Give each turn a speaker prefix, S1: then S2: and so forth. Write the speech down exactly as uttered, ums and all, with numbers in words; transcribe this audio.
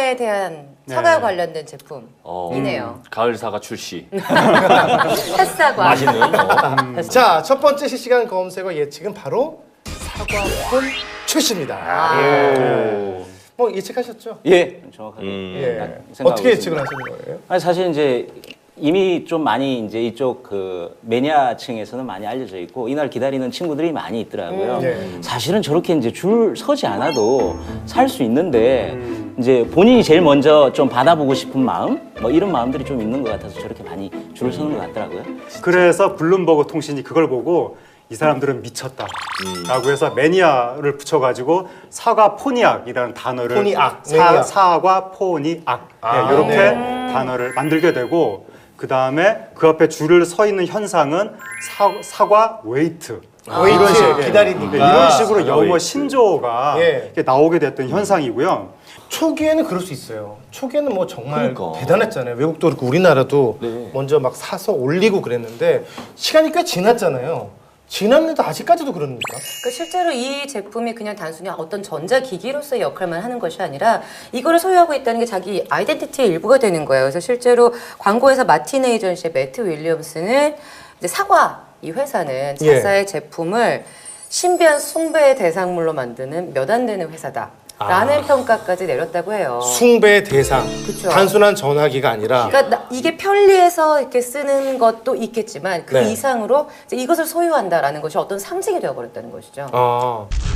S1: 사과에 대한 사과와
S2: 네.
S1: 관련된 제품이네요.
S3: 음, 가을 사과 출시.
S1: 햇사과.
S3: 맛있는. 어.
S2: 음.
S4: 자, 첫 번째 실시간 검색어 예측은 바로 사과폰 출시입니다.
S1: 아.
S4: 예. 뭐 예측하셨죠?
S5: 예, 정확하게.
S3: 음.
S4: 예.
S5: 생각하고
S4: 어떻게
S5: 있습니다.
S4: 예측을 하시는 거예요?
S5: 아니, 사실 이제 이미 좀 많이 이제 이쪽 그 매니아층에서는 많이 알려져 있고 이날 기다리는 친구들이 많이 있더라고요.
S4: 음, 네.
S5: 사실은 저렇게 이제 줄 서지 않아도 살 수 있는데
S4: 음.
S5: 이제 본인이 제일 먼저 좀 받아보고 싶은 마음 뭐 이런 마음들이 좀 있는 것 같아서 저렇게 많이 줄을 서는 것 같더라고요.
S2: 그래서 블룸버그 통신이 그걸 보고 이 사람들은 미쳤다 라고 해서 매니아를 붙여가지고 사과 포니악이라는 단어를
S4: 포니악,
S2: 사,
S4: 매니아.
S2: 사과 포니악
S4: 아,
S2: 네, 이렇게
S4: 네.
S2: 단어를 만들게 되고 그 다음에 그 앞에 줄을 서 있는 현상은 사, 사과 웨이트
S4: 웨이트,
S2: 이런 식
S4: 기다리니까.
S2: 네, 이런 식으로
S3: 사과
S2: 영어
S3: 웨이트.
S2: 신조어가
S4: 예.
S2: 이렇게 나오게 됐던 현상이고요.
S4: 초기에는 그럴 수 있어요. 초기에는 뭐 정말
S3: 그러니까.
S4: 대단했잖아요. 외국도 그렇고 우리나라도
S3: 네.
S4: 먼저 막 사서 올리고 그랬는데 시간이 꽤 지났잖아요. 지났는데도 아직까지도 그럽니까?
S1: 그 실제로 이 제품이 그냥 단순히 어떤 전자기기로서의 역할만 하는 것이 아니라 이거를 소유하고 있다는 게 자기 아이덴티티의 일부가 되는 거예요. 그래서 실제로 광고에서 마틴 에이전시의 매트 윌리엄스는 이제 사과 이 회사는
S4: 예.
S1: 자사의 제품을 신비한 숭배의 대상물로 만드는 몇 안 되는 회사다. 라는 평가까지 내렸다고 해요.
S4: 숭배 대상.
S1: 그쵸.
S4: 단순한 전화기가 아니라
S1: 그러니까 나- 이게 편리해서 이렇게 쓰는 것도 있겠지만 그
S4: 네.
S1: 이상으로 이제 이것을 소유한다라는 것이 어떤 상징이 되어버렸다는 것이죠.
S4: 아,